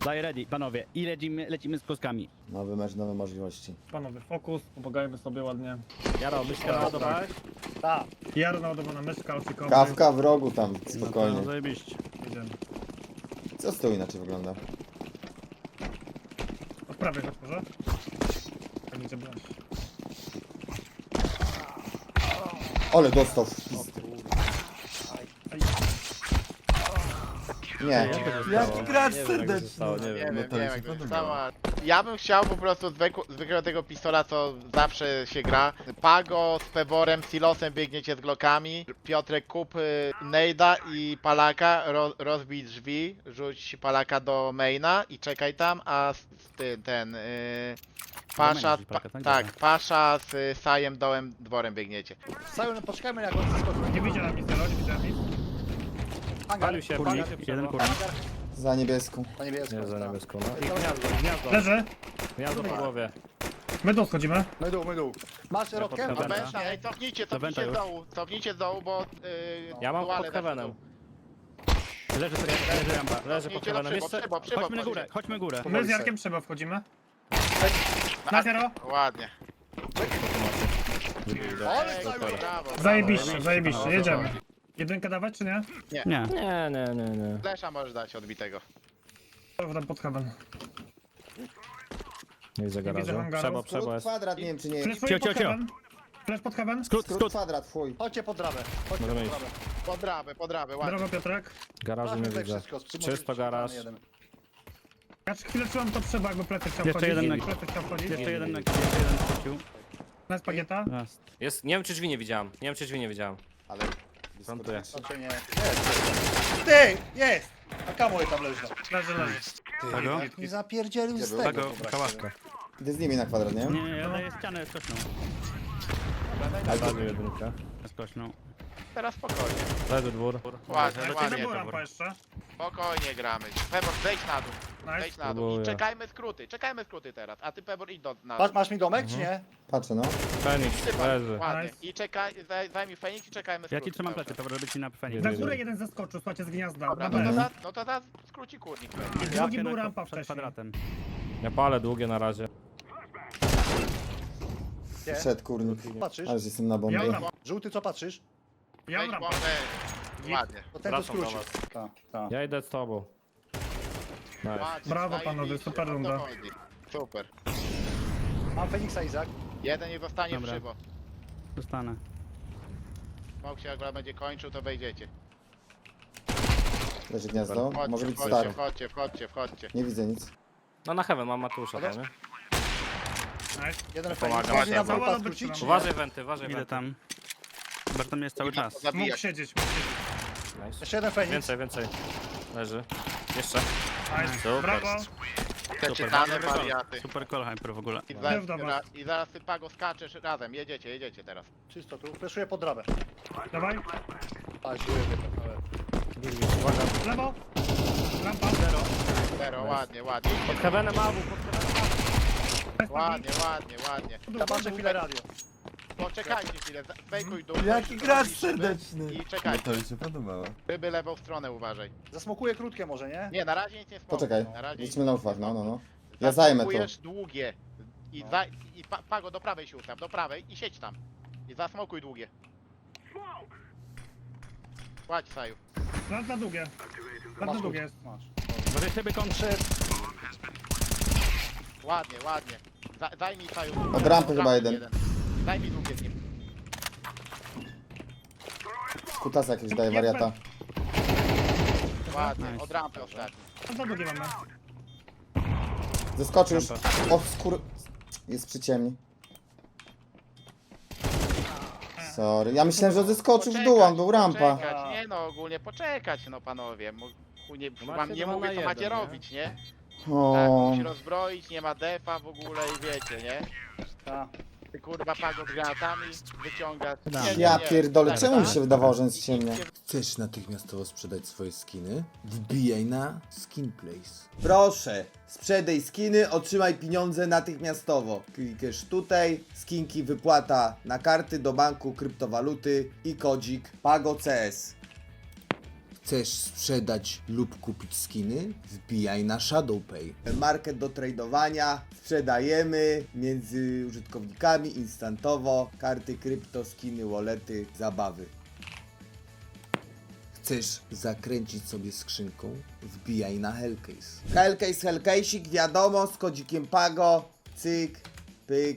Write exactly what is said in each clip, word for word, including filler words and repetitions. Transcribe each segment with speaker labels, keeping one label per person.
Speaker 1: Daj ready, panowie. I lecimy, lecimy z kloskami.
Speaker 2: Nowy mecz, nowe możliwości.
Speaker 3: Panowie, fokus, pomagajmy sobie ładnie.
Speaker 1: Jaro, myszkę naładowałeś?
Speaker 3: Tak. Jaro naładowana myszka, osikowy.
Speaker 2: Kawka w rogu tam,
Speaker 1: No
Speaker 2: spokojnie.
Speaker 1: zajebiście.
Speaker 3: Idziemy.
Speaker 2: Co z tyłu inaczej wygląda?
Speaker 3: Od prawej chodź może. Tak będzie broń.
Speaker 2: Ole, dostał w pizd. Nie.
Speaker 4: Jaki gracz
Speaker 5: Nie wiem, jak
Speaker 4: serdeczny.
Speaker 5: zostało, nie
Speaker 6: Nie
Speaker 5: wiem.
Speaker 6: wiem,
Speaker 4: to
Speaker 6: nie
Speaker 4: mi
Speaker 6: wiem
Speaker 4: się
Speaker 6: jak to
Speaker 4: podobało.
Speaker 6: zostało. Ja bym chciał po prostu zwykł, zwykłego tego pistola, co zawsze się gra. Pago z Peworem, Silosem biegniecie z Glockami. Piotrek kup y, Nejda i Palaka, ro, rozbij drzwi, rzuć Palaka do maina i czekaj tam, a s- s- ty, ten... Y, Pasza,
Speaker 1: rzucić
Speaker 6: pa,
Speaker 1: Palaka, tak?
Speaker 6: tak,
Speaker 1: Dobra.
Speaker 6: Pasza z y, Sajem dołem dworem biegniecie.
Speaker 4: Cały, poczekajmy jak on zeskoczy.
Speaker 3: Nie widziałem nic, Jaro, nie widziałem nic.
Speaker 4: Hangar.
Speaker 5: Palił się,
Speaker 1: Kurnik,
Speaker 5: palił się
Speaker 1: jeden
Speaker 5: przerwa.
Speaker 1: kurnik.
Speaker 2: Za niebieską.
Speaker 4: Na niebiesko.
Speaker 5: Nie, za
Speaker 4: tak.
Speaker 5: niebieską, no. I gniazdo, gniazdo.
Speaker 3: Leży.
Speaker 5: Gniazdo po głowie.
Speaker 3: My tu schodzimy.
Speaker 4: My dół, my dół. Masz rotkę?
Speaker 1: Dobra.
Speaker 6: No
Speaker 1: Wenta.
Speaker 6: Bencha, ej, cofnijcie,
Speaker 1: Do Wenta
Speaker 6: cofnijcie z
Speaker 1: już.
Speaker 6: dołu, cofnijcie z dołu, bo... Y,
Speaker 5: Ja mam
Speaker 6: duale
Speaker 5: pod
Speaker 6: weszły w
Speaker 5: heavenem.
Speaker 6: dół.
Speaker 1: Leży sobie, leży rampa.
Speaker 5: Leży pod
Speaker 6: Cofnijcie do
Speaker 5: heavenem.
Speaker 6: przybo,
Speaker 5: Jeszcze...
Speaker 6: przybo, przybo,
Speaker 1: Chodźmy na
Speaker 6: przybo.
Speaker 1: górę, chodźmy górę.
Speaker 3: My z Jarkiem Trzeba wchodzimy.
Speaker 6: A-
Speaker 3: Na zero.
Speaker 6: Ładnie.
Speaker 4: Ale
Speaker 6: Ej,
Speaker 4: cały.
Speaker 6: brawo, brawo.
Speaker 3: Zajebiście, zajebiście, jedziemy. Jedynkę dawać czy nie?
Speaker 1: Nie.
Speaker 5: Nie, nie, nie, nie.
Speaker 6: Flesza możesz dać odbitego.
Speaker 3: Dobra, pod heaven.
Speaker 5: Nie widzę
Speaker 3: widzę
Speaker 5: garażu.
Speaker 3: hangaru.
Speaker 5: Przebo, przebo
Speaker 2: Skrót
Speaker 5: jest.
Speaker 2: kwadrat, nie wiem czy nie.
Speaker 3: Fleszuję
Speaker 1: Cio,
Speaker 3: pod
Speaker 1: cio, cio.
Speaker 3: heaven. Flash pod heaven.
Speaker 1: Skrót,
Speaker 2: Skrót
Speaker 1: skrót.
Speaker 2: kwadrat, fuj.
Speaker 4: Chodźcie pod drabę. Chodźcie
Speaker 5: Możemy
Speaker 4: pod
Speaker 5: iść.
Speaker 4: drabę.
Speaker 6: Pod drabę, pod drabę, ładnie.
Speaker 3: Brawo Piotrek.
Speaker 5: Garażu nie
Speaker 4: Sprawdźmy tutaj
Speaker 5: widzę.
Speaker 4: wszystko.
Speaker 5: Czysto garaż.
Speaker 4: Jeden.
Speaker 3: Ja chwilę czułam to Trzeba, jakby plecy chciał
Speaker 1: Jeszcze
Speaker 3: wchodzić.
Speaker 1: jeden na-
Speaker 3: Plecy chciał wchodzić.
Speaker 1: Jeszcze jeden na jeszcze jeden wrócił.
Speaker 3: Na spagieta.
Speaker 1: Raz.
Speaker 5: Jest, nie wiem czy drzwi nie widziałem. Nie wiem czy drzwi nie widziałem.
Speaker 2: Ale...
Speaker 5: Plantuję.
Speaker 4: Znaczy nie. Jest. Ty! Jest! A kamuły tam leży.
Speaker 3: Leży, leży.
Speaker 1: Pago?
Speaker 4: Nie zapierdzielił
Speaker 2: Gdzie
Speaker 4: z
Speaker 2: był?
Speaker 4: tego.
Speaker 1: Pago, kałaszka.
Speaker 2: Idę z nimi na kwadrat, nie?
Speaker 1: Nie, nie, ja daję ścianę skośną.
Speaker 5: Zabił jedynkę.
Speaker 1: Skośną.
Speaker 6: Teraz spokojnie.
Speaker 5: Leży dwór.
Speaker 6: Ładnie,
Speaker 1: Lecimy
Speaker 6: ładnie.
Speaker 1: górę.
Speaker 3: Dobra, rampa jeszcze.
Speaker 6: Spokojnie gramy. Pebor, zejdź na dół. Zejdź
Speaker 3: Nice.
Speaker 6: na dół. I
Speaker 5: Próbuję.
Speaker 6: czekajmy skróty, czekajmy skróty teraz. A ty Pebor idź do na
Speaker 4: Masz,
Speaker 6: dół.
Speaker 4: masz mi domek, czy nie?
Speaker 2: Patrzę, no.
Speaker 5: Feniks, leży.
Speaker 6: Ładnie.
Speaker 3: Nice.
Speaker 6: I czekaj, zaj, zajmij Feniks i czekajmy
Speaker 1: Ja
Speaker 6: skróty.
Speaker 1: ci trzymam
Speaker 6: cały
Speaker 1: plecy,
Speaker 6: czas.
Speaker 1: to żeby ci na Feniks.
Speaker 3: Na górę jeden zeskoczył, słuchajcie, z gniazda.
Speaker 6: Dobra,
Speaker 3: Dobra,
Speaker 6: no to
Speaker 3: dobra.
Speaker 6: za, no to za skróci kurnik.
Speaker 3: Drugi był
Speaker 1: na-
Speaker 3: rampa
Speaker 1: przed
Speaker 3: wcześniej.
Speaker 1: kwadratem.
Speaker 5: Ja palę długie na razie.
Speaker 4: Gdzie?
Speaker 2: Wszedł kurnik.
Speaker 4: Patrzysz?
Speaker 2: Ale że jestem na bombie.
Speaker 3: Ja rampa.
Speaker 4: Żółty, co patrzysz?
Speaker 3: Ja
Speaker 6: Weź
Speaker 3: rampa.
Speaker 6: bombę. Ładnie.
Speaker 4: To ten to
Speaker 5: Wracam do
Speaker 4: skrócił.
Speaker 5: was.
Speaker 4: Tak, tak.
Speaker 5: Ja idę z tobą. Nice.
Speaker 6: Ładnie.
Speaker 3: Brawo,
Speaker 6: zajebiście,
Speaker 3: panowie, super
Speaker 6: o to
Speaker 3: runda.
Speaker 6: chodzi. Super.
Speaker 4: Mam Feniksa, Izak.
Speaker 6: Jeden nie zostanie w
Speaker 1: Dobra.
Speaker 6: szybo.
Speaker 1: Dostanę.
Speaker 6: Smok się jak będzie kończył, to wejdziecie.
Speaker 2: Leży gniazdo. Może
Speaker 6: Wchodźcie,
Speaker 2: być
Speaker 6: wchodźcie,
Speaker 2: stary.
Speaker 6: wchodźcie, wchodźcie, wchodźcie.
Speaker 2: Nie widzę nic.
Speaker 5: No na heaven mam Matusza tam, nie?
Speaker 3: Nice.
Speaker 4: Jeden
Speaker 5: Pomaga.
Speaker 4: Feniks. Można na
Speaker 3: Cała
Speaker 4: dwóch
Speaker 3: dobra
Speaker 4: skrócić?
Speaker 3: strona.
Speaker 5: Uważaj wenty, uważaj
Speaker 1: Idę
Speaker 5: wenty.
Speaker 1: tam. Chyba, że tam jest cały czas.
Speaker 3: Mógł
Speaker 6: Zabijać.
Speaker 3: siedzieć, mógł siedzieć.
Speaker 5: Nice.
Speaker 4: Jeszcze jeden Feniks.
Speaker 5: Więcej, więcej. Leży. Jeszcze.
Speaker 3: Nice.
Speaker 5: Super.
Speaker 3: Brawo.
Speaker 6: Te
Speaker 1: Super,
Speaker 6: czytane
Speaker 1: dobry
Speaker 6: wariaty.
Speaker 1: Super call hyper w ogóle.
Speaker 6: I,
Speaker 3: Mów
Speaker 6: zaraz,
Speaker 3: do was.
Speaker 6: I zaraz ty Pago skaczesz razem. Jedziecie, jedziecie teraz.
Speaker 4: Czysto tu. Fleszuję pod drabę.
Speaker 3: Dawaj.
Speaker 4: A, siły wypędzone.
Speaker 3: Lewo. Rampa. Zero.
Speaker 6: Zero, ładnie, ładnie.
Speaker 5: Pod heavenem awu, pod heavenem.
Speaker 6: Ładnie, ładnie, ładnie.
Speaker 4: Ja patrzę chwilę radio.
Speaker 6: Poczekajcie chwilę, za- fejkuj dół.
Speaker 4: Jaki
Speaker 6: fejkuj
Speaker 4: gracz
Speaker 6: dół, szyby
Speaker 4: serdeczny.
Speaker 6: I czekajcie.
Speaker 4: mi się podobało.
Speaker 6: Ryby lewą stronę uważaj.
Speaker 4: Zasmokuję krótkie może, nie?
Speaker 6: Nie, na razie nic nie smokuj.
Speaker 2: Poczekaj.
Speaker 6: Na razie
Speaker 2: Lecimy na ufach, no, no, no. Ja
Speaker 6: Ja
Speaker 2: zajmę to.
Speaker 6: długie. I, za, i pa, Pago do prawej się ustaw, do prawej i siedź tam. I zasmokuj długie. Płać Saju.
Speaker 3: Raz na długie. Raz na długie jest.
Speaker 4: Masz.
Speaker 1: Może sobie kończy.
Speaker 6: Ładnie, ładnie. Za, zajmij Saju.
Speaker 2: Od rampy chyba jeden.
Speaker 6: Zajmij długie z nim.
Speaker 2: Kutasa jakiegoś daje wariata.
Speaker 6: Ładnie,
Speaker 1: Nice.
Speaker 6: od rampy ostatni.
Speaker 3: Raz na długie mamy.
Speaker 2: Zeskoczył już. O skór... Jest przy ciemni. Sorry. Ja myślałem, że zeskoczył w dół, on był rampa.
Speaker 6: Poczekać, nie no, ogólnie poczekać no panowie. Mu- chu- Nie,
Speaker 5: No
Speaker 6: wam
Speaker 5: macie
Speaker 6: nie
Speaker 5: dwa
Speaker 6: mówię
Speaker 5: na
Speaker 6: co macie
Speaker 5: jeden, nie?
Speaker 6: robić, nie? Tak,
Speaker 2: O,
Speaker 6: musi rozbroić, nie ma defa w ogóle i wiecie, nie?
Speaker 4: Tak.
Speaker 6: Ty kurwa Pago z granatami wyciąga. Nie, nie,
Speaker 2: ja
Speaker 6: nie.
Speaker 2: pierdolę,
Speaker 6: Tak,
Speaker 2: czemu mi
Speaker 6: tak.
Speaker 2: się wydawało, że jest ciemnia?
Speaker 7: Chcesz natychmiastowo sprzedać swoje skiny? Wbijaj na Skinplace.
Speaker 2: Proszę, sprzedaj skiny, otrzymaj pieniądze natychmiastowo. Klikasz tutaj, skinki wypłata na karty do banku kryptowaluty i kodzik PagoCS.
Speaker 7: Chcesz sprzedać lub kupić skiny? Wbijaj na ShadowPay.
Speaker 2: Market do tradowania, sprzedajemy między użytkownikami instantowo, karty krypto, skiny, wallety, zabawy.
Speaker 7: Chcesz zakręcić sobie skrzynką? Wbijaj na Hellcase.
Speaker 2: Hellcase, Hellcase'ik, wiadomo, z kodzikiem Pago, cyk, pyk.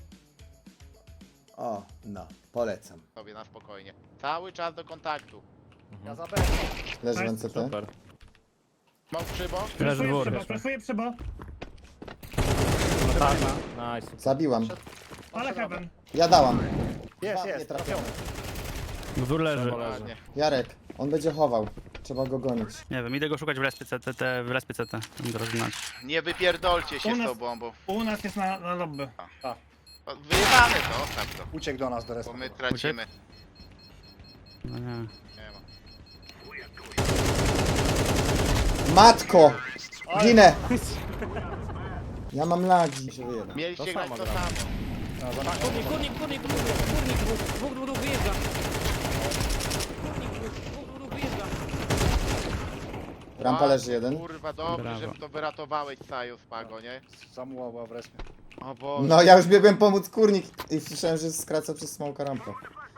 Speaker 2: O, no, polecam.
Speaker 6: Sobie na spokojnie. Cały czas do kontaktu.
Speaker 4: Ja za B.
Speaker 2: Leży
Speaker 3: Nice.
Speaker 2: N C T.
Speaker 5: Super.
Speaker 6: Smok przybo.
Speaker 1: Leży
Speaker 3: Flashuję
Speaker 1: dwór.
Speaker 3: przybo, flashuję przybo.
Speaker 5: Nice.
Speaker 2: Zabiłam.
Speaker 3: Ale heaven.
Speaker 2: Ja dałam.
Speaker 4: Jest,
Speaker 2: Dwa, nie
Speaker 4: jest,
Speaker 2: trafione.
Speaker 4: trafiony.
Speaker 1: Dwór leży.
Speaker 6: Ładnie.
Speaker 2: Jarek, on będzie chował. Trzeba go gonić.
Speaker 1: Nie wiem, idę go szukać w respie C T, te- w respie C T. Będę rozginać.
Speaker 6: Nie wypierdolcie się
Speaker 3: U
Speaker 6: z
Speaker 3: nas-
Speaker 6: tą bombą.
Speaker 3: U nas jest na, na lobby.
Speaker 6: O, Wyjebane to, zostaw to.
Speaker 4: Uciekł do nas do
Speaker 6: Bo
Speaker 4: respa.
Speaker 6: my tracimy.
Speaker 1: No nie.
Speaker 6: Nie ma.
Speaker 2: Matko! Ginę! Ja mam lagi. Się wyjebę.
Speaker 6: Mieliście
Speaker 5: To
Speaker 6: grać
Speaker 5: samo
Speaker 6: to
Speaker 5: gramy.
Speaker 6: samo.
Speaker 5: Kurnik, kurnik, kurnik, kurnik, kurnik, dwóch, dwóch, dwóch, dwóch, wyjeżdża. Kurnik, dwóch, dwóch, dwóch, wyjeżdża.
Speaker 2: Rampa leży jeden.
Speaker 6: Kurwa, dobrze,
Speaker 1: Brawo.
Speaker 6: że to wyratowałeś Saju z Pago, nie?
Speaker 4: Samuła była w respie.
Speaker 6: O Boże.
Speaker 2: No ja już biegłem pomóc kurnik i słyszałem, że skraca przez smoka rampę.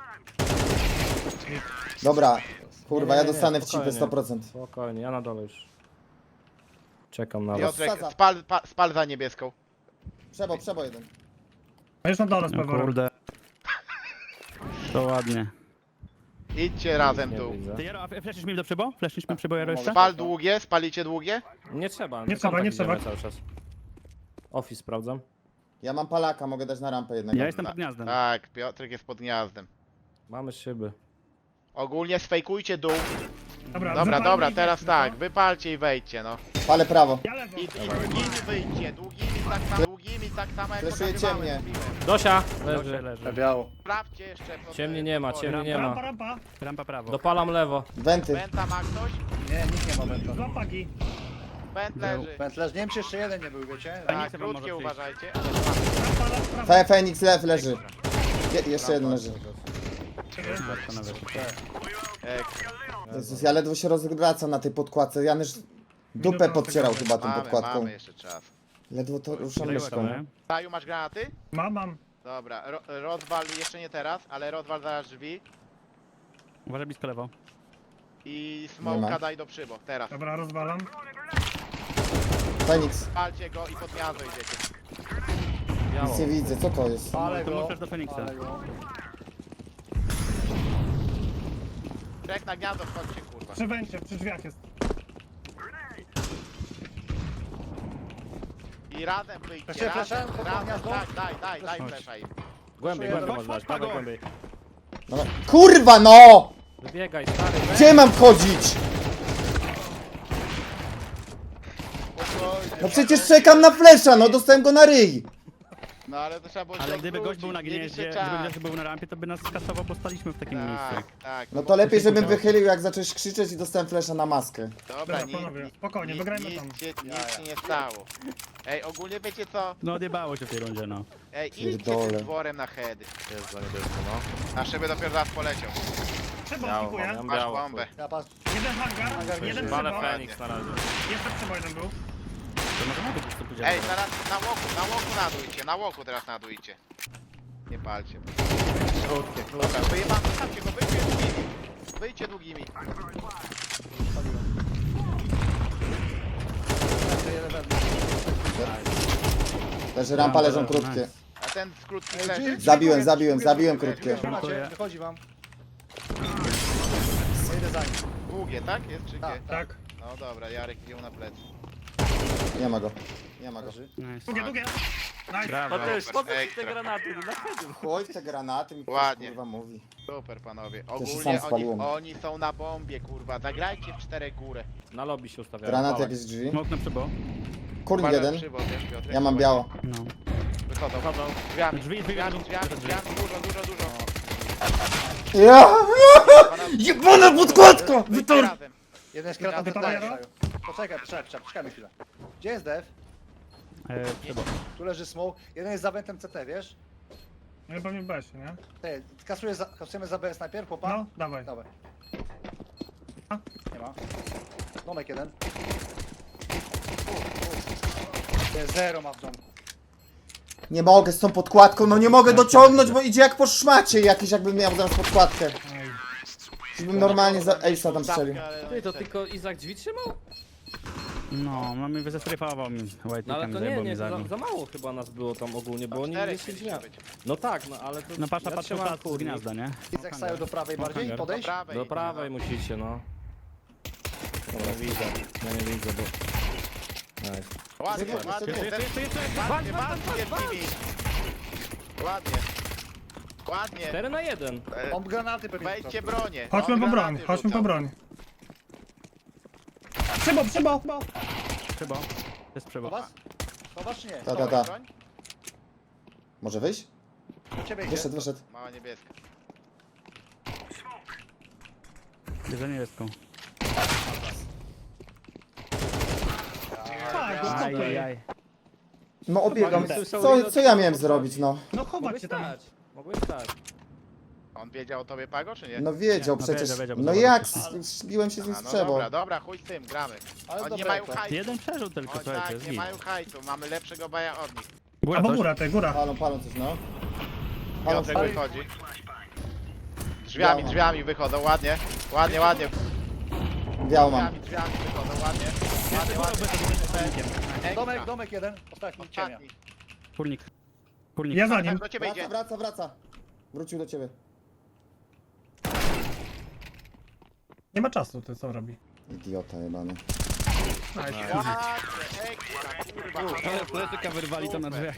Speaker 2: Dobra, kurwa,
Speaker 5: Nie,
Speaker 2: ja
Speaker 5: nie, nie,
Speaker 2: dostanę w cipę
Speaker 5: spokojnie.
Speaker 2: sto procent.
Speaker 5: Spokojnie, ja na dole już. Czekam na was.
Speaker 6: Piotrek,
Speaker 2: Sadza.
Speaker 6: spal, pa, spal za niebieską.
Speaker 2: Przebo, przebo jeden.
Speaker 3: A już na dole z
Speaker 1: No
Speaker 3: peworem.
Speaker 1: kurde. To ładnie.
Speaker 6: Idźcie razem
Speaker 5: Nie
Speaker 6: tu.
Speaker 5: widzę.
Speaker 1: Ty Jaro, a fleszysz mi do przybo? Fleszysz mi przybo Jaro jeszcze?
Speaker 6: Spal długie, spalicie długie?
Speaker 5: Nie trzeba,
Speaker 3: Nie trzeba,
Speaker 5: kontakt
Speaker 3: nie trzeba.
Speaker 5: idziemy cały czas. Office sprawdzam.
Speaker 2: Ja mam palaka, mogę dać na rampę jednego.
Speaker 1: Ja jestem pod gniazdem.
Speaker 6: Tak, Piotrek jest pod gniazdem.
Speaker 5: Mamy szyby.
Speaker 6: Ogólnie sfejkujcie dół.
Speaker 3: Dobra,
Speaker 6: Dobra,
Speaker 3: wypalmy
Speaker 6: dobra,
Speaker 3: i
Speaker 6: teraz
Speaker 3: weźmy,
Speaker 6: tak,
Speaker 3: co?
Speaker 6: wypalcie i wejdźcie, no.
Speaker 2: Palę prawo.
Speaker 3: Ja lewo.
Speaker 6: I, i długimi wyjdźcie, długimi tak samo, długimi tak samo jak
Speaker 2: Fleszujecie
Speaker 6: pokazywałem,
Speaker 2: mnie.
Speaker 6: mówiłem.
Speaker 5: Dosia!
Speaker 1: Leży,
Speaker 5: Leży.
Speaker 1: leży.
Speaker 4: Biało.
Speaker 6: Sprawdźcie jeszcze. po-
Speaker 5: Ciemnie nie ma,
Speaker 6: po-
Speaker 5: ciemnie nie
Speaker 3: Rampa,
Speaker 5: ma.
Speaker 3: rampa.
Speaker 1: Rampa prawo.
Speaker 5: Dopalam lewo.
Speaker 2: Wenty.
Speaker 6: Wenta ma ktoś?
Speaker 4: Nie, nikt nie ma wędla.
Speaker 3: Dwa pagi.
Speaker 6: Went leży.
Speaker 4: Wędlerz, nie wiem czy jeszcze jeden nie był, wiecie?
Speaker 6: Tak,
Speaker 1: Feniksem wam
Speaker 6: krótkie
Speaker 1: może przyjść.
Speaker 6: uważajcie.
Speaker 3: Rampa, lewo, prawo.
Speaker 2: Fe Fenix lew leży. Je jeszcze jeden leży.
Speaker 1: Panowie.
Speaker 6: E,
Speaker 2: Jezus, ja ledwo się rozwracam na tej podkładce. Janusz dupę podcierał chyba tą
Speaker 6: mamy,
Speaker 2: podkładką.
Speaker 6: mamy jeszcze czas.
Speaker 2: Ledwo to ruszam
Speaker 1: Grajło
Speaker 2: myszką.
Speaker 1: to, nie?
Speaker 6: Saju, masz granaty?
Speaker 3: Mam, mam.
Speaker 6: Dobra, ro, rozwal jeszcze nie teraz, ale rozwal zaraz drzwi.
Speaker 1: Uważaj blisko lewo.
Speaker 6: I
Speaker 2: Nie ma.
Speaker 6: smoka daj do przybo, teraz.
Speaker 3: Dobra, rozwalam.
Speaker 2: Fenix.
Speaker 6: Palcie go i pod gniazdo idziecie.
Speaker 2: Nic nie widzę, co to jest?
Speaker 4: Ale
Speaker 1: To
Speaker 4: go.
Speaker 1: możesz do Feniksa.
Speaker 4: Ale go.
Speaker 6: Czek na gniazdo, wchodźcie kurwa.
Speaker 3: Przy węcie, przy drzwiach jest.
Speaker 6: I razem wyjdźcie,
Speaker 4: Chcecie
Speaker 6: razem,
Speaker 4: fleszem pod
Speaker 6: razem,
Speaker 4: gniazdo?
Speaker 6: tak, daj, daj, daj
Speaker 1: Chodź.
Speaker 6: flesza im.
Speaker 5: Głębiej,
Speaker 4: Chodź,
Speaker 5: głębiej
Speaker 3: chodź,
Speaker 5: można dać,
Speaker 3: Pago.
Speaker 5: dawaj głębiej.
Speaker 2: Dobra. Kurwa no!
Speaker 5: Wybiegaj, stary.
Speaker 2: Gdzie mam chodzić?
Speaker 6: Spokojnie.
Speaker 2: No przecież czekam na flesza, no dostałem go na ryj.
Speaker 6: No ale to trzeba było się
Speaker 1: Ale gdyby gość
Speaker 6: odwrócić,
Speaker 1: był na
Speaker 6: mieliście
Speaker 1: gnieździe,
Speaker 6: czas.
Speaker 1: gdyby gość był na rampie, to by nas skasował, bo staliśmy w takim
Speaker 6: Tak,
Speaker 1: miejscu.
Speaker 6: tak.
Speaker 2: No
Speaker 6: bo-
Speaker 2: to lepiej, żebym
Speaker 1: musiał.
Speaker 2: wychylił, jak zacząłeś krzyczeć i dostałem flesza na maskę.
Speaker 6: Dobra,
Speaker 3: Dobra,
Speaker 6: nic,
Speaker 3: panowie,
Speaker 6: nic-
Speaker 3: spokojnie,
Speaker 6: nic-
Speaker 3: wygrajmy
Speaker 6: nic
Speaker 3: tam.
Speaker 6: się, nic się nie stało. Ej, ogólnie wiecie co?
Speaker 1: No odjebało się w tej rundzie, no.
Speaker 6: Ej, idźcie
Speaker 2: Pierdolę.
Speaker 6: tym dworem na heady.
Speaker 5: Jest za niebiesko, no.
Speaker 6: A szyby dopiero zaraz poleciał.
Speaker 3: Przybo
Speaker 5: Biało,
Speaker 3: dziękuję.
Speaker 5: mam
Speaker 6: Masz
Speaker 5: biało.
Speaker 6: bombę.
Speaker 4: Ja patrz.
Speaker 3: Jeden hangar, jeden
Speaker 5: Walę
Speaker 3: przybo.
Speaker 5: Feniks na razie.
Speaker 3: Jeszcze przybo jeden był.
Speaker 1: To może na dół po prostu pójdziemy.
Speaker 6: Ej, zaraz na łoku, na łoku nadujcie, na łoku teraz nadujcie. Nie palcie.
Speaker 5: Krótkie, krótkie.
Speaker 6: Dobra, wyjebam, zostawcie go, wyjdźcie długimi. Wyjdźcie długimi.
Speaker 4: Jeszcze jeden wędlerz.
Speaker 2: Leży rampa, leżą krótkie.
Speaker 6: A ten z krótkich
Speaker 4: Ej,
Speaker 6: leży?
Speaker 4: drzwi-
Speaker 2: Zabiłem,
Speaker 4: drzwi-
Speaker 2: zabiłem,
Speaker 4: drzwi-
Speaker 2: zabiłem
Speaker 4: drzwi-
Speaker 2: krótkie.
Speaker 4: drzwi-
Speaker 1: Dziękuję.
Speaker 4: macie, Wychodzi wam. Ja idę za nim.
Speaker 6: Długie, tak? Jest czy
Speaker 4: Tak,
Speaker 6: gdzie?
Speaker 3: Tak.
Speaker 6: No dobra, Jarek wziął na plecy.
Speaker 2: Nie ma go. Nie ma go.
Speaker 4: Leży.
Speaker 1: Nice.
Speaker 3: Długie, długie. Nice.
Speaker 1: Brawo.
Speaker 5: Mateusz, po co ci te
Speaker 6: Ekstra.
Speaker 5: granaty? Na headzie.
Speaker 2: Chuj w te granaty, mi ktoś,
Speaker 6: Ładnie.
Speaker 2: kurwa mówi.
Speaker 6: Super panowie.
Speaker 2: się sam
Speaker 6: Ogólnie oni,
Speaker 2: spaliłem.
Speaker 6: oni są na bombie, kurwa. Zagrajcie w czterech górę.
Speaker 5: Na lobby się ustawiają.
Speaker 2: Granat
Speaker 5: Pałek.
Speaker 2: jakieś drzwi.
Speaker 1: Smok na przybo.
Speaker 2: Kurnik
Speaker 6: Parę
Speaker 2: jeden.
Speaker 6: przybo, wiesz, Piotrek?
Speaker 2: Ja mam biało.
Speaker 1: No.
Speaker 6: Wychodzą.
Speaker 5: Wchodzą.
Speaker 6: Drzwiami,
Speaker 1: Drzwi, drzwi,
Speaker 6: drzwiami,
Speaker 1: drzwi,
Speaker 6: drzwiami,
Speaker 1: drzwi.
Speaker 6: drzwiami, dużo, dużo, dużo.
Speaker 2: Ja!
Speaker 6: Pana-
Speaker 2: Jebana podkładka!
Speaker 6: Wyjdźcie
Speaker 2: Wytor!
Speaker 6: razem.
Speaker 4: Jeden jest kratą
Speaker 3: Ty
Speaker 4: do
Speaker 3: Paweł?
Speaker 4: Poczekaj, poczekaj, poczekaj, poczekaj chwilę. Gdzie jest dev?
Speaker 1: E, przybo.
Speaker 4: Tu leży smoke. Jeden jest za wentem C T, wiesz?
Speaker 3: No pewnie w besie, nie?
Speaker 4: Ty, kasujesz za, kasujemy za B S najpierw, chłopa?
Speaker 3: No, dawaj.
Speaker 4: Dawaj. Nie ma. Domek jeden. To jest zero ma w domku.
Speaker 2: Nie mogę z tą podkładką, no nie mogę dociągnąć, bo idzie jak po szmacie jakiś, jakbym miał zaraz podkładkę. Żebym normalnie za Ace'a tam strzelił.
Speaker 5: Ty, to tylko Izak drzwi trzymał?
Speaker 1: No, no mi zestryfował mi
Speaker 5: No ale
Speaker 1: white'em,
Speaker 5: to nie,
Speaker 1: zajebał
Speaker 5: nie,
Speaker 1: mi
Speaker 5: to
Speaker 1: zabił.
Speaker 5: za, za mało chyba nas było tam ogólnie, bo oni
Speaker 6: Czterech
Speaker 5: nie się
Speaker 6: chcieliśmy
Speaker 5: drzwiami.
Speaker 6: być.
Speaker 5: No tak, no ale to...
Speaker 1: No patrz,
Speaker 5: ja
Speaker 1: patrz,
Speaker 5: trzymam
Speaker 1: patrz z
Speaker 5: kurnik.
Speaker 1: gniazda, nie?
Speaker 4: Izak stają do prawej bardziej,
Speaker 1: hangar.
Speaker 6: Do
Speaker 4: podejść.
Speaker 6: prawej.
Speaker 5: Do prawej musicie, no. Dobra, widzę. Ja nie widzę, bo... Nice.
Speaker 6: Ładnie,
Speaker 2: Jeszcze,
Speaker 6: ładnie,
Speaker 2: jeszcze,
Speaker 1: Jeszcze, jeszcze, jeszcze!
Speaker 6: ładnie, ładnie, ładnie, Ładnie. Ładnie.
Speaker 5: cztery na jeden.
Speaker 6: E,
Speaker 4: Mam granaty pewnie.
Speaker 6: Wejdźcie bronię.
Speaker 3: Chodźmy
Speaker 6: On
Speaker 3: po broń,
Speaker 6: granaty
Speaker 3: chodźmy po
Speaker 6: rzucał.
Speaker 3: broń. Przybo, przybo!
Speaker 1: Przybo. To jest przybo.
Speaker 4: Chowasz? Chowasz czy nie?
Speaker 2: Ta, ta, ta.
Speaker 6: Broń?
Speaker 2: Może wyjść?
Speaker 4: Do ciebie idzie.
Speaker 2: Wyszedł, wyszedł.
Speaker 6: Mała niebieska.
Speaker 1: Bierze niebieską.
Speaker 3: Tak, go
Speaker 1: Aj, aj,
Speaker 3: stopy.
Speaker 1: aj.
Speaker 2: No obiegam. Co, co ja miałem zrobić, no?
Speaker 3: No chować
Speaker 5: Mogłeś
Speaker 3: się tam.
Speaker 5: stać. Mogłeś stać.
Speaker 6: On wiedział o tobie, Pago, czy nie?
Speaker 2: No wiedział
Speaker 1: Nie, no
Speaker 2: przecież.
Speaker 1: wiedział, wiedział, bo
Speaker 2: No
Speaker 1: zobaczył.
Speaker 2: jak? Zbiłem się z nim
Speaker 6: A,
Speaker 2: z
Speaker 6: no
Speaker 2: przebo.
Speaker 6: dobra, dobra, chuj z tym, gramy.
Speaker 4: Ale
Speaker 6: Oni nie
Speaker 4: dobra,
Speaker 6: mają
Speaker 4: to.
Speaker 6: hajtu.
Speaker 1: Jeden przerzut tylko,
Speaker 6: Oni
Speaker 1: słuchajcie,
Speaker 6: tak,
Speaker 1: jest
Speaker 6: nie
Speaker 1: git.
Speaker 6: mają hajtu. Mamy lepszego baja od nich.
Speaker 1: Góra
Speaker 3: Albo
Speaker 1: coś?
Speaker 3: góra, ty, góra.
Speaker 2: Palą, palą coś, no. Palą,
Speaker 6: Piotrek
Speaker 2: palą.
Speaker 6: wychodzi. Drzwiami,
Speaker 2: Biała.
Speaker 6: drzwiami wychodzą, ładnie. Ładnie, ładnie.
Speaker 2: Białą mam.
Speaker 6: Drzwiami, drzwiami wychodzą, ładnie. Ładnie, ładnie. Ekstra.
Speaker 4: Domek, domek jeden. Ostatni, ciemnia.
Speaker 6: Ostatni.
Speaker 1: Kurnik. Kurnik.
Speaker 3: Ja za
Speaker 6: Tak,
Speaker 3: nim.
Speaker 6: do ciebie
Speaker 2: Wraca,
Speaker 6: idzie.
Speaker 2: wraca, wraca. Wrócił do ciebie.
Speaker 3: Nie ma czasu, ty co robi?
Speaker 2: Idiota jebany.
Speaker 3: Nice.
Speaker 6: Ładnie, ekstra, kurwa.
Speaker 1: Ale pletyka wyrwali tam na drzwiach.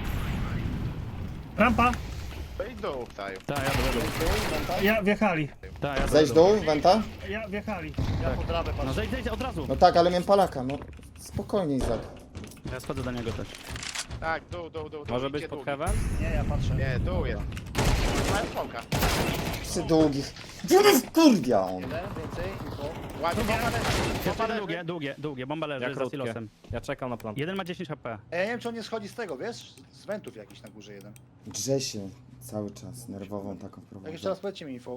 Speaker 3: Rampa.
Speaker 6: Wejdź dół, Saju.
Speaker 1: Tak, ja do
Speaker 3: Ja wjechali.
Speaker 1: Tak, ja
Speaker 2: Zejść dół, Wenta?
Speaker 3: Ja wjechali.
Speaker 4: Ja po trawę
Speaker 1: No
Speaker 4: patrzę.
Speaker 1: zejdź, zejdź, od razu.
Speaker 2: No tak, ale miałem palaka, no. Spokojnie, Izak.
Speaker 1: Ja schodzę do niego też.
Speaker 6: Tak, dół, dół, dół.
Speaker 5: Może
Speaker 6: idźcie
Speaker 5: być pod
Speaker 6: dół.
Speaker 5: heaven?
Speaker 4: Nie, ja patrzę.
Speaker 6: Nie, dół jest. Mają smoka.
Speaker 2: Przy długich. Kurdia on.
Speaker 4: Jeden, więcej, info.
Speaker 6: Ładnie, bomba leży. Bomba
Speaker 1: Jeszcze
Speaker 6: leży.
Speaker 1: długie, długie, długie. Bomba leży
Speaker 5: Ja
Speaker 1: za
Speaker 5: krótkie.
Speaker 1: silosem.
Speaker 5: Ja czekam na plan.
Speaker 1: Jeden ma dziesięć H P.
Speaker 4: Ej, ja nie wiem, czy on nie schodzi z tego, wiesz? Z wentów jakiś na górze jeden.
Speaker 2: Grze się cały czas, nerwową taką
Speaker 4: Jak
Speaker 2: prowadzę.
Speaker 4: jeszcze raz powiedzcie mi info.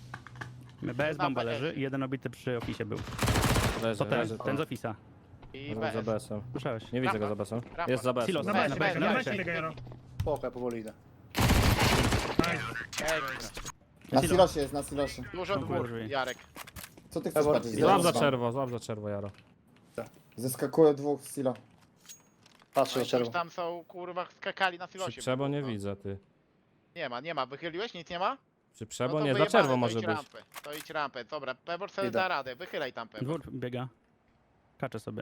Speaker 1: Bez bomba leży i jeden obity przy ofisie był.
Speaker 5: Leży,
Speaker 1: To ten,
Speaker 5: leży.
Speaker 1: ten z ofisa.
Speaker 6: I
Speaker 5: Za
Speaker 6: B S.
Speaker 5: B S-em.
Speaker 1: Słyszałeś?
Speaker 5: Nie widzę go
Speaker 6: Rampa.
Speaker 5: za B S-em.
Speaker 6: Rampa.
Speaker 5: Jest za B S-em.
Speaker 1: Silos.
Speaker 3: Na
Speaker 1: Dobra,
Speaker 3: besie
Speaker 1: dobra,
Speaker 3: biega, na
Speaker 1: dobra.
Speaker 3: besie biega, Jaro.
Speaker 4: Spoko, ja powoli idę.
Speaker 3: Nice.
Speaker 2: Na silosie jest, na silosie.
Speaker 6: Dużo
Speaker 1: Są
Speaker 6: dwóch,
Speaker 1: drzwi.
Speaker 6: Jarek.
Speaker 2: Co ty chcesz
Speaker 4: Dobra,
Speaker 2: patrzeć?
Speaker 5: Złap za
Speaker 2: Zobacz.
Speaker 5: czerwo, złap za czerwo, Jaro.
Speaker 2: Zeskakuje dwóch z silo.
Speaker 4: Patrzę
Speaker 6: No
Speaker 4: do
Speaker 6: i coś
Speaker 4: czerwo.
Speaker 6: tam są, kurwa, skakali na
Speaker 5: Przy
Speaker 6: silosie.
Speaker 5: przebo nie
Speaker 6: No.
Speaker 5: widzę, ty.
Speaker 6: Nie ma, nie ma. Wychyliłeś? Nic nie ma?
Speaker 5: Przy
Speaker 6: No
Speaker 5: przebo
Speaker 6: to
Speaker 5: nie, za
Speaker 6: wyjebane,
Speaker 5: czerwo
Speaker 6: to
Speaker 5: może
Speaker 6: idź
Speaker 5: być.
Speaker 6: Rampę. To idź rampę. Dobra, Pebor sobie
Speaker 4: Idę.
Speaker 6: da radę. Wychylaj tam Pebor.
Speaker 1: Dwór biega. Kaczę sobie.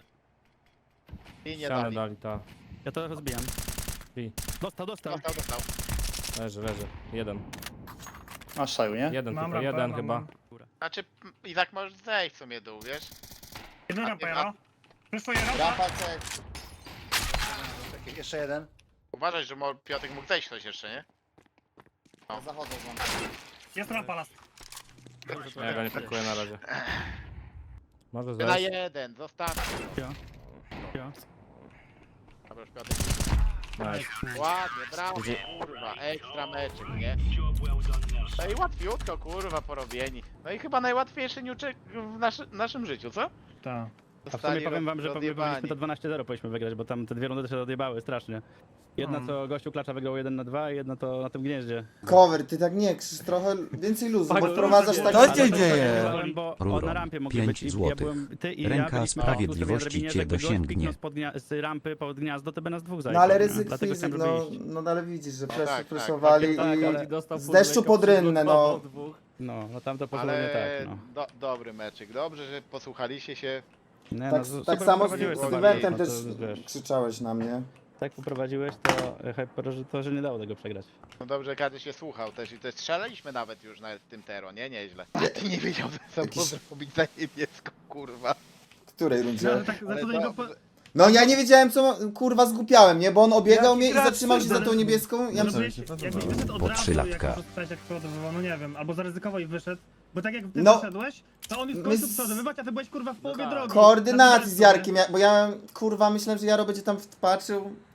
Speaker 6: I nie
Speaker 5: Ścianę
Speaker 6: dali.
Speaker 5: dali, ta.
Speaker 1: Ja to rozbijam.
Speaker 5: I.
Speaker 1: Dostał, dostał.
Speaker 6: Dostał, dostał.
Speaker 5: Leży, leży. Jeden.
Speaker 4: Masz saju, nie?
Speaker 5: Jeden
Speaker 3: Mam
Speaker 5: tylko,
Speaker 3: rampę,
Speaker 5: jeden
Speaker 3: mam,
Speaker 5: chyba.
Speaker 3: mam.
Speaker 6: Znaczy, m, Izak możesz zejść w sumie dół, wiesz?
Speaker 3: Jedna
Speaker 6: A
Speaker 3: rampa,
Speaker 6: ty-
Speaker 3: Jaro. Przyszło rampa.
Speaker 2: Rampa cek.
Speaker 4: Czekaj, jeszcze jeden.
Speaker 6: Uważaj, że mo- Piotrek mógł zejść coś jeszcze, nie?
Speaker 2: Ja zachodzę z wam.
Speaker 3: Jest rampa, las.
Speaker 5: Ja go nie pikuję na razie. Może
Speaker 6: Na
Speaker 5: zejść.
Speaker 6: jeden, zostaw.
Speaker 1: Ja. Ja.
Speaker 6: Dobra, już Piotrek.
Speaker 5: Nice.
Speaker 6: Ładnie, brawo, kurwa, ekstra meczek, nie? No i łatwiutko, kurwa, porobieni. No i chyba najłatwiejszy niuczek w naszy, naszym życiu, co?
Speaker 3: Tak.
Speaker 1: A w sumie powiem wam, że powinniśmy
Speaker 6: rozjebani.
Speaker 1: to dwanaście zero powinniśmy wygrać, bo tam te dwie rundy się odjebały strasznie. Jedna
Speaker 3: No.
Speaker 1: co gościu klacza wygrał jeden na dwa i jedna to na tym gnieździe.
Speaker 2: Cover, ty tak nie krzyż, trochę więcej luzu, bo
Speaker 5: Pago,
Speaker 2: wprowadzasz tak...
Speaker 7: Co się dzieje?
Speaker 1: Byłem, bo o,
Speaker 7: Ruro,
Speaker 1: na rampie mogli
Speaker 7: pięć
Speaker 1: być i ja
Speaker 7: złotych.
Speaker 1: byłem, ty i
Speaker 7: Ręka
Speaker 1: ja byliśmy
Speaker 7: sprawiedliwości
Speaker 1: na drabinie,
Speaker 7: cię
Speaker 1: jakby gość
Speaker 7: dosięgnie.
Speaker 1: kliknął spod gnia- z rampy pod gniazdo, to by nas dwóch
Speaker 2: No
Speaker 1: zajęło.
Speaker 2: ale
Speaker 1: nie?
Speaker 2: ryzyk
Speaker 1: Dlatego
Speaker 2: fizyk,
Speaker 1: chciałem,
Speaker 2: no,
Speaker 1: żeby iść.
Speaker 2: no ale widzisz, że
Speaker 6: tak,
Speaker 2: fleszy
Speaker 6: tak,
Speaker 2: fleszowali
Speaker 1: tak,
Speaker 2: i...
Speaker 1: ale-
Speaker 2: z deszczu pod rynne, no.
Speaker 1: No, no tam to poszło nie
Speaker 6: Ale
Speaker 1: tak, no.
Speaker 6: do, dobry meczyk, dobrze, że posłuchaliście się.
Speaker 1: Nie,
Speaker 2: Tak,
Speaker 1: no, super
Speaker 2: tak samo z,
Speaker 1: poprowadziłeś
Speaker 2: z
Speaker 1: to
Speaker 2: Dywentem
Speaker 1: bardziej,
Speaker 2: też
Speaker 1: no to, wiesz,
Speaker 2: krzyczałeś na mnie.
Speaker 1: tak poprowadziłeś to, e, Hyper, że to, że nie dało tego przegrać.
Speaker 6: No dobrze, że każdy się słuchał też i też strzelaliśmy nawet już nawet w tym tero, nie? Nieźle. A ty nie wiedział, co
Speaker 2: Jakiś-
Speaker 6: może robić za niebieską, kurwa.
Speaker 2: W której
Speaker 3: No,
Speaker 2: rundzie?
Speaker 3: ale tak, za co do niego po...
Speaker 2: No ja nie wiedziałem co, ma- kurwa zgupiałem, nie? Bo on obiegał
Speaker 4: Jaki
Speaker 2: mnie i
Speaker 4: gracz,
Speaker 2: zatrzymał się za tą
Speaker 3: ale-
Speaker 2: niebieską. Ja
Speaker 3: No,
Speaker 2: myślałem,
Speaker 3: jakbyś, jakbyś wyszedł od
Speaker 7: Po
Speaker 3: razu,
Speaker 7: trzy
Speaker 3: jak
Speaker 7: latka.
Speaker 3: rozstałeś, jak przeładowywał, no nie wiem, albo zaryzykował i wyszedł, bo tak jak ty
Speaker 2: No.
Speaker 3: wyszedłeś, to on już
Speaker 2: My
Speaker 3: kończył
Speaker 2: z-
Speaker 3: przeładowywać, a ty byłeś kurwa w połowie
Speaker 5: tak.
Speaker 3: drogi.
Speaker 2: koordynacji z
Speaker 3: Na
Speaker 2: Jarkiem, ja, bo ja kurwa myślałem, że Jaro będzie tam patrzył.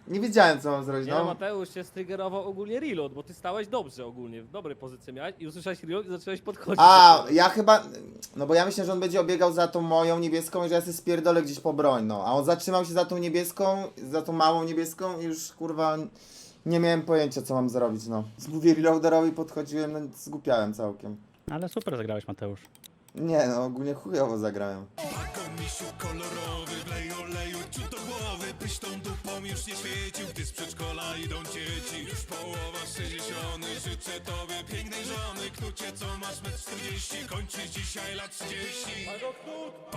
Speaker 2: Nie wiedziałem, co mam zrobić,
Speaker 5: Nie no,
Speaker 2: no.
Speaker 5: Mateusz się strygerował ogólnie reload, bo ty stałeś dobrze ogólnie, w dobrej pozycji miałeś i usłyszałeś reload i zacząłeś podchodzić.
Speaker 2: A, ja chyba, no bo ja myślę, że on będzie obiegał za tą moją niebieską i że ja sobie spierdolę gdzieś po broń, no. A on zatrzymał się za tą niebieską, za tą małą niebieską i już, kurwa, nie miałem pojęcia, co mam zrobić, no. Mówię reloaderowi, podchodziłem, no zgłupiałem całkiem.
Speaker 1: Ale super zagrałeś, Mateusz.
Speaker 2: Nie, no ogólnie chujowo zagrałem.
Speaker 8: Misiu kolorowy, wlej oleju ciut do głowy. Byś tą dupą już nie świecił, gdy z przedszkola idą dzieci. Już połowa sześćdziesiąt, życzę tobie pięknej żony. Knucie, co masz metr czterdzieści, kończysz dzisiaj lat trzydzieści.